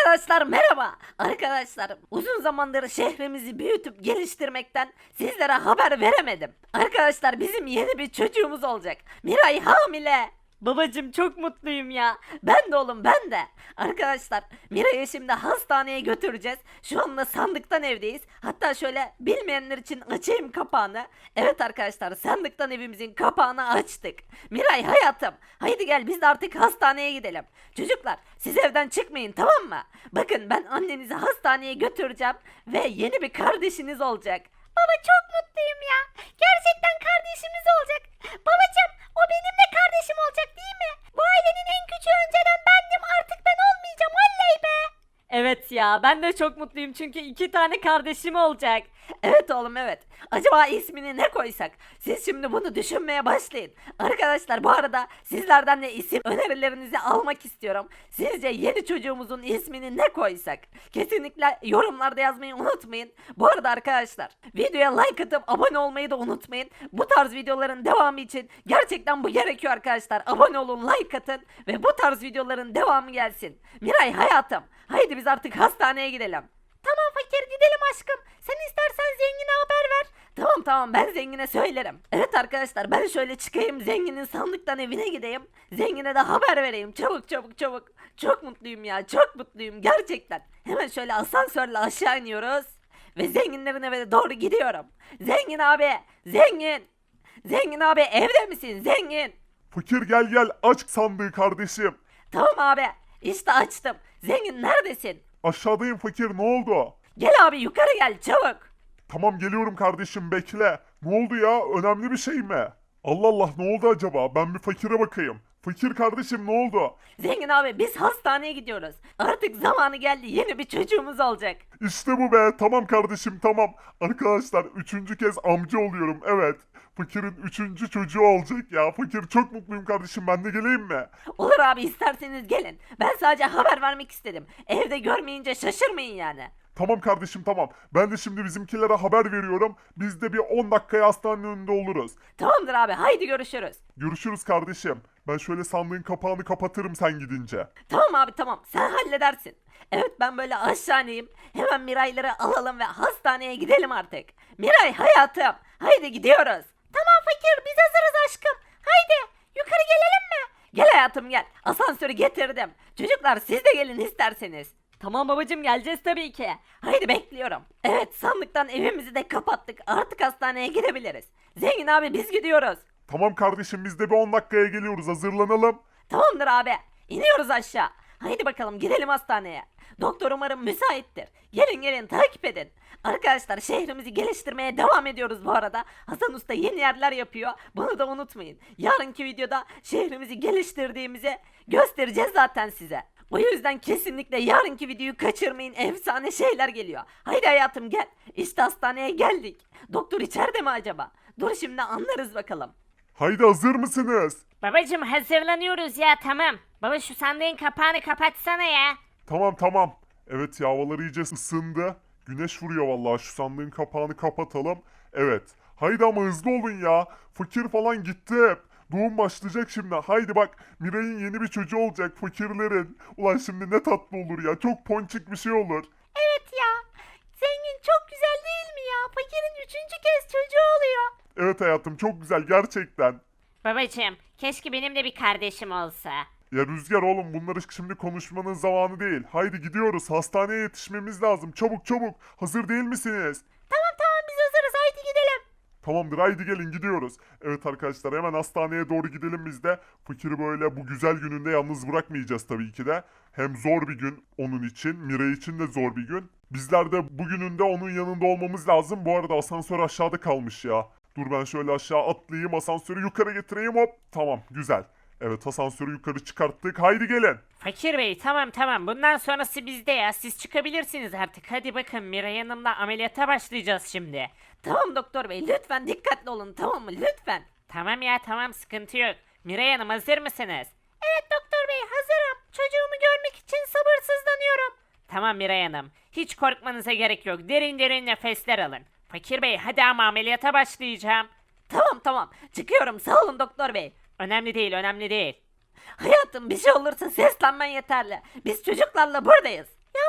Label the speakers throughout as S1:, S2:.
S1: Arkadaşlar merhaba. Arkadaşlar uzun zamandır şehrimizi büyütüp geliştirmekten sizlere haber veremedim. Arkadaşlar bizim yeni bir çocuğumuz olacak. Miray hamile. Babacım çok mutluyum ya. Ben de oğlum ben de. Arkadaşlar Miray'ı şimdi hastaneye götüreceğiz. Şu anda sandıktan evdeyiz. Hatta şöyle bilmeyenler için açayım kapağını. Evet arkadaşlar sandıktan evimizin kapağını açtık. Miray hayatım. Haydi gel biz de artık hastaneye gidelim. Çocuklar siz evden çıkmayın tamam mı? Bakın ben annenizi hastaneye götüreceğim. Ve yeni bir kardeşiniz olacak. Baba çok mutluyum ya. Gerçekten kardeşimiz olacak. Babacım o benim de kardeşim olacak değil mi? Bu ailenin en küçüğü önceden bendim artık ben olmayacağım oley be. Evet ya ben de çok mutluyum çünkü 2 tane kardeşim olacak. Evet oğlum evet. Acaba ismini ne koysak? Siz şimdi bunu düşünmeye başlayın. Arkadaşlar bu arada sizlerden de isim önerilerinizi almak istiyorum. Sizce yeni çocuğumuzun ismini ne koysak? Kesinlikle yorumlarda yazmayı unutmayın. Bu arada arkadaşlar videoya like atıp abone olmayı da unutmayın. Bu tarz videoların devamı için gerçekten bu gerekiyor arkadaşlar. Abone olun, like atın ve bu tarz videoların devamı gelsin. Miray hayatım, haydi biz artık hastaneye gidelim. Tamam fakir gidelim aşkım. Sen istersen zengine haber ver. Tamam ben zengine söylerim. Evet arkadaşlar ben şöyle çıkayım zenginin sandıktan evine gideyim. Zengine de haber vereyim çabuk. Çok mutluyum ya çok mutluyum gerçekten. Hemen şöyle asansörle aşağı iniyoruz. Ve zenginlerin eve doğru gidiyorum. Zengin abi zengin. Zengin abi evde misin zengin?
S2: Fakir gel aç sandığı kardeşim.
S1: Tamam abi işte açtım. Zengin neredesin?
S2: Aşağıdayım fakir ne oldu?
S1: Gel abi yukarı gel çabuk.
S2: Tamam geliyorum kardeşim bekle. Ne oldu ya önemli bir şey mi? Allah Allah ne oldu acaba ben bir fakire bakayım. Fakir kardeşim ne oldu?
S1: Zengin abi biz hastaneye gidiyoruz. Artık zamanı geldi yeni bir çocuğumuz olacak.
S2: İşte bu be tamam kardeşim tamam. Arkadaşlar üçüncü kez amca oluyorum evet. Fakirin üçüncü çocuğu olacak ya. Fakir çok mutluyum kardeşim ben de geleyim mi?
S1: Olur abi isterseniz gelin. Ben sadece haber vermek istedim. Evde görmeyince şaşırmayın yani.
S2: Tamam kardeşim tamam. Ben de şimdi bizimkilere haber veriyorum. Biz de bir 10 dakikaya hastanenin önünde oluruz.
S1: Tamamdır abi haydi görüşürüz.
S2: Görüşürüz kardeşim. Ben şöyle sandığın kapağını kapatırım sen gidince.
S1: Tamam abi tamam sen halledersin. Evet ben böyle aşağı ineyim. Hemen Mirayları alalım ve hastaneye gidelim artık. Miray hayatım haydi gidiyoruz. Tamam fakir biz hazırız aşkım. Haydi yukarı gelelim mi? Gel hayatım gel. Asansörü getirdim. Çocuklar siz de gelin isterseniz. Tamam babacım geleceğiz tabii ki. Haydi bekliyorum. Evet sandıktan evimizi de kapattık. Artık hastaneye gidebiliriz. Zengin abi biz gidiyoruz.
S2: Tamam kardeşim biz de bir 10 dakikaya geliyoruz hazırlanalım.
S1: Tamamdır abi. İniyoruz aşağı. Haydi bakalım gidelim hastaneye. Doktor umarım müsaittir. Gelin takip edin. Arkadaşlar şehrimizi geliştirmeye devam ediyoruz bu arada. Hasan Usta yeni yerler yapıyor. Bunu da unutmayın. Yarınki videoda şehrimizi geliştirdiğimizi göstereceğiz zaten size. O yüzden kesinlikle yarınki videoyu kaçırmayın. Efsane şeyler geliyor. Haydi hayatım gel. İşte hastaneye geldik. Doktor içeride mi acaba? Dur şimdi anlarız bakalım.
S2: Haydi hazır mısınız?
S3: Babacım hazırlanıyoruz ya tamam. Baba şu sandığın kapağını kapatsana ya.
S2: Tamam. Evet ya havalar iyice ısındı. Güneş vuruyor vallahi şu sandığın kapağını kapatalım. Evet. Haydi ama hızlı olun ya. Fakir falan gitti hep. Doğum başlayacak şimdi. Haydi bak Miray'ın yeni bir çocuğu olacak fakirlerin. Ulan şimdi ne tatlı olur ya. Çok ponçik bir şey olur.
S1: Evet ya. Zengin çok güzel değil mi ya? Fakirin 3. kez çocuğu oluyor.
S2: Evet hayatım çok güzel gerçekten.
S3: Babacım keşke benim de bir kardeşim olsa.
S2: Ya Rüzgar oğlum bunları şimdi konuşmanın zamanı değil. Haydi gidiyoruz. Hastaneye yetişmemiz lazım. Çabuk. Hazır değil misiniz?
S1: Tamam biz hazırız haydi gidelim.
S2: Tamamdır haydi gelin gidiyoruz. Evet arkadaşlar hemen hastaneye doğru gidelim biz de. Fakiri böyle bu güzel gününde yalnız bırakmayacağız tabii ki de. Hem zor bir gün onun için, Miray için de zor bir gün. Bizler de bugününde onun yanında olmamız lazım. Bu arada asansör aşağıda kalmış ya. Dur ben şöyle aşağı atlayayım asansörü yukarı getireyim hop. Tamam güzel. Evet asansörü yukarı çıkarttık. Haydi gelin.
S3: Fakir bey tamam bundan sonrası bizde ya. Siz çıkabilirsiniz artık. Hadi bakın Miray Hanım'la ameliyata başlayacağız şimdi.
S1: Tamam doktor bey lütfen dikkatli olun tamam mı lütfen.
S3: Tamam ya tamam sıkıntı yok. Miray Hanım hazır mısınız?
S1: Evet doktor bey hazırım. Çocuğumu görmek için sabırsızlanıyorum.
S3: Tamam Miray Hanım. Hiç korkmanıza gerek yok. Derin nefesler alın. Fakir bey hadi ama ameliyata başlayacağım.
S1: Tamam çıkıyorum sağ olun doktor bey.
S3: Önemli değil.
S1: Hayatım bir şey olursa seslenmen yeterli. Biz çocuklarla buradayız. Ya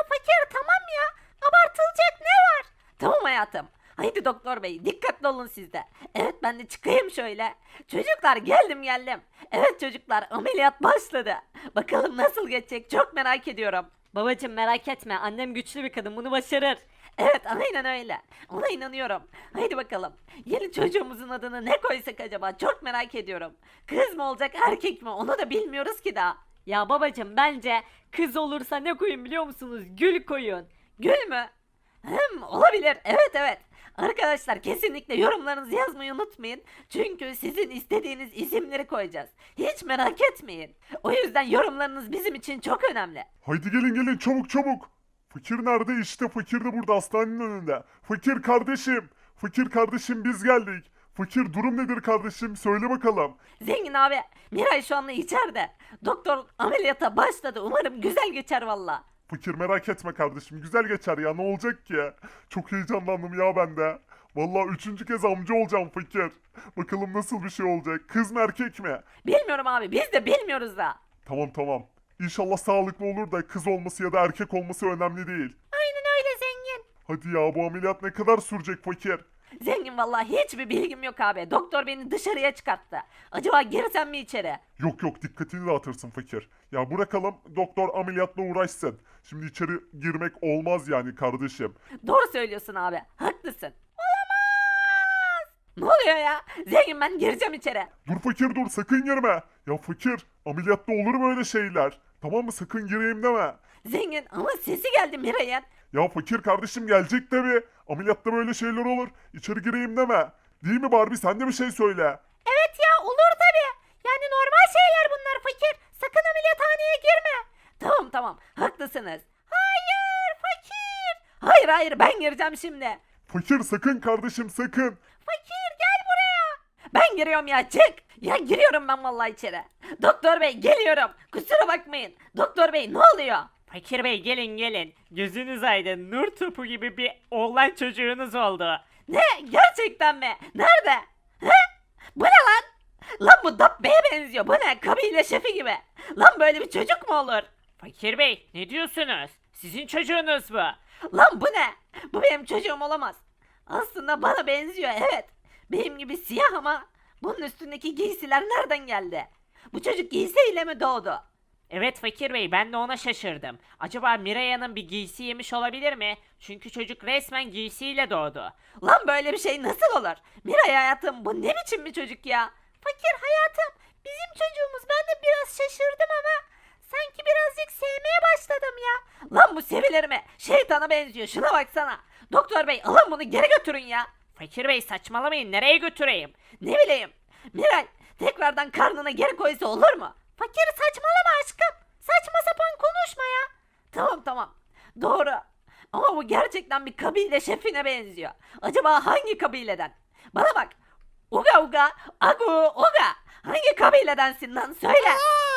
S1: fakir tamam ya. Abartılacak ne var? Tamam hayatım. Haydi doktor bey dikkatli olun siz de. Evet ben de çıkayım şöyle. Çocuklar geldim. Evet çocuklar ameliyat başladı. Bakalım nasıl geçecek çok merak ediyorum. Babacım merak etme annem güçlü bir kadın bunu başarır. Evet aynen öyle. Ona inanıyorum. Haydi bakalım. Yeni çocuğumuzun adını ne koysak acaba çok merak ediyorum. Kız mı olacak erkek mi onu da bilmiyoruz ki daha. Ya babacım bence kız olursa ne koyun biliyor musunuz? Gül koyun. Gül mü? Olabilir. Evet. Arkadaşlar kesinlikle yorumlarınızı yazmayı unutmayın. Çünkü sizin istediğiniz isimleri koyacağız. Hiç merak etmeyin. O yüzden yorumlarınız bizim için çok önemli.
S2: Haydi gelin çabuk çabuk. Fakir nerede? İşte fakir de burada hastanenin önünde. Fakir kardeşim. Fakir kardeşim biz geldik. Fakir durum nedir kardeşim? Söyle bakalım.
S1: Zengin abi, Miray şu anda içeride. Doktor ameliyata başladı. Umarım güzel geçer valla.
S2: Fakir merak etme kardeşim. Güzel geçer ya. Ne olacak ki? Çok heyecanlandım ya ben de. Vallahi üçüncü kez amca olacağım fakir. Bakalım nasıl bir şey olacak. Kız mı erkek mi?
S1: Bilmiyorum abi, biz de bilmiyoruz da.
S2: Tamam. İnşallah sağlıklı olur da kız olması ya da erkek olması önemli değil.
S1: Aynen öyle zengin.
S2: Hadi ya bu ameliyat ne kadar sürecek fakir?
S1: Zengin vallahi hiçbir bilgim yok abi. Doktor beni dışarıya çıkarttı. Acaba girsem mi içeri?
S2: Yok dikkatini dağıtırsın fakir. Ya bırakalım doktor ameliyatla uğraşsın. Şimdi içeri girmek olmaz yani kardeşim.
S1: Doğru söylüyorsun abi. Haklısın. Olamaz. Ne oluyor ya? Zengin ben gireceğim içeri.
S2: Dur fakir dur sakın girme. Ya fakir ameliyatta olur mu öyle şeyler? Tamam mı sakın gireyim deme.
S1: Zengin ama sesi geldi Miray'ın.
S2: Ya fakir kardeşim gelecek tabi. Ameliyatta böyle şeyler olur. İçeri gireyim deme. Değil mi Barbie sen de bir şey söyle.
S1: Evet ya olur tabi. Yani normal şeyler bunlar fakir. Sakın ameliyathaneye girme. Tamam haklısınız. Hayır fakir. Hayır ben gireceğim şimdi.
S2: Fakir sakın kardeşim sakın.
S1: Fakir gel buraya. Ben giriyorum ya çık. Ya giriyorum ben vallahi içeri. Doktor bey geliyorum. Kusura bakmayın. Doktor bey ne oluyor?
S3: Fakir bey gelin. Gözünüz aydın. Nur topu gibi bir oğlan çocuğunuz oldu.
S1: Ne? Gerçekten mi? Nerede? He? Bu ne lan? Lan bu Dabbe'ye benziyor. Bu ne? Kabile şefi gibi. Lan böyle bir çocuk mu olur?
S3: Fakir bey ne diyorsunuz? Sizin çocuğunuz bu.
S1: Lan bu ne? Bu benim çocuğum olamaz. Aslında bana benziyor evet. Benim gibi siyah ama bunun üstündeki giysiler nereden geldi? Bu çocuk giysiyle mi doğdu?
S3: Evet Fakir bey ben de ona şaşırdım. Acaba Miraya'nın bir giysi yemiş olabilir mi? Çünkü çocuk resmen giysiyle doğdu.
S1: Lan böyle bir şey nasıl olur? Miray hayatım bu ne biçim bir çocuk ya? Fakir hayatım bizim çocuğumuz ben de biraz şaşırdım ama sanki birazcık sevmeye başladım ya. Lan bu sevilir mi? Şeytana benziyor şuna baksana. Doktor bey alın bunu geri götürün ya.
S3: Fakir bey saçmalamayın nereye götüreyim?
S1: Ne bileyim. Miray tekrardan karnına geri koysa olur mu? Fakir saçmalama aşkım. Saçma sapan konuşma ya. Tamam. Doğru. Ama bu gerçekten bir kabile şefine benziyor. Acaba hangi kabileden? Bana bak. Uga, agu, uga. Hangi kabiledensin lan söyle.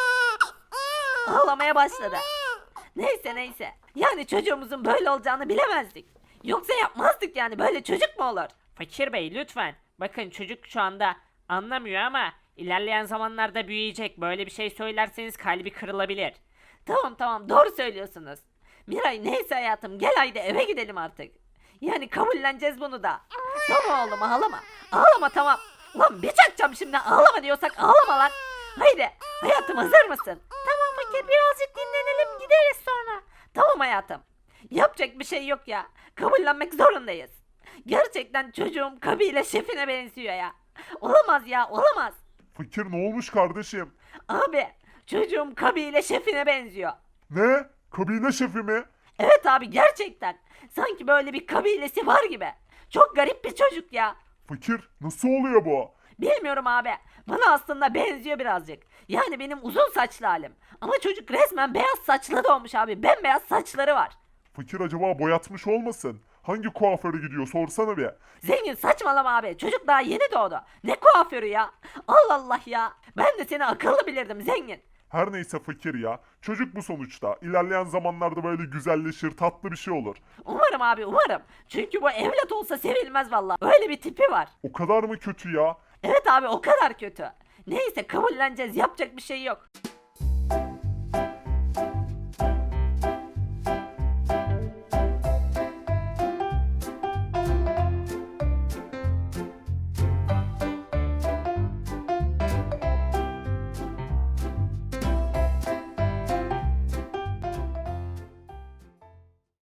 S1: Ağlamaya başladı. Neyse. Yani çocuğumuzun böyle olacağını bilemezdik. Yoksa yapmazdık yani böyle çocuk mu olur?
S3: Fakir bey lütfen. Bakın çocuk şu anda anlamıyor ama ilerleyen zamanlarda büyüyecek. Böyle bir şey söylerseniz kalbi kırılabilir.
S1: Tamam doğru söylüyorsunuz. Miray neyse hayatım gel haydi eve gidelim artık. Yani kabulleneceğiz bunu da. Tamam oğlum ağlama. Ağlama tamam. Lan bir çakacağım şimdi ağlama diyorsak ağlama lan. Haydi hayatım hazır mısın? Tamam fakir birazcık dinlenelim gideriz sonra. Tamam hayatım. Yapacak bir şey yok ya. Kabullenmek zorundayız. Gerçekten çocuğum kabile şefine benziyor ya. Olamaz ya olamaz.
S2: Fakir ne olmuş kardeşim?
S1: Abi çocuğum kabile şefine benziyor.
S2: Ne? Kabile şefi mi?
S1: Evet abi gerçekten. Sanki böyle bir kabilesi var gibi. Çok garip bir çocuk ya.
S2: Fakir nasıl oluyor bu?
S1: Bilmiyorum abi. Bana aslında benziyor birazcık. Yani benim uzun saçlı halim. Ama çocuk resmen beyaz saçlı doğmuş abi. Bembeyaz saçları var.
S2: Fakir acaba boyatmış olmasın? Hangi kuaföre gidiyor sorsana bir.
S1: Zengin saçmalama abi. Çocuk daha yeni doğdu. Ne kuaförü ya? Allah Allah ya. Ben de seni akıllı bilirdim zengin.
S2: Her neyse fakir ya. Çocuk bu sonuçta. İlerleyen zamanlarda böyle güzelleşir, tatlı bir şey olur.
S1: Umarım abi umarım. Çünkü bu evlat olsa sevilmez valla. Öyle bir tipi var.
S2: O kadar mı kötü ya?
S1: Evet abi o kadar kötü. Neyse kabulleneceğiz yapacak bir şey yok.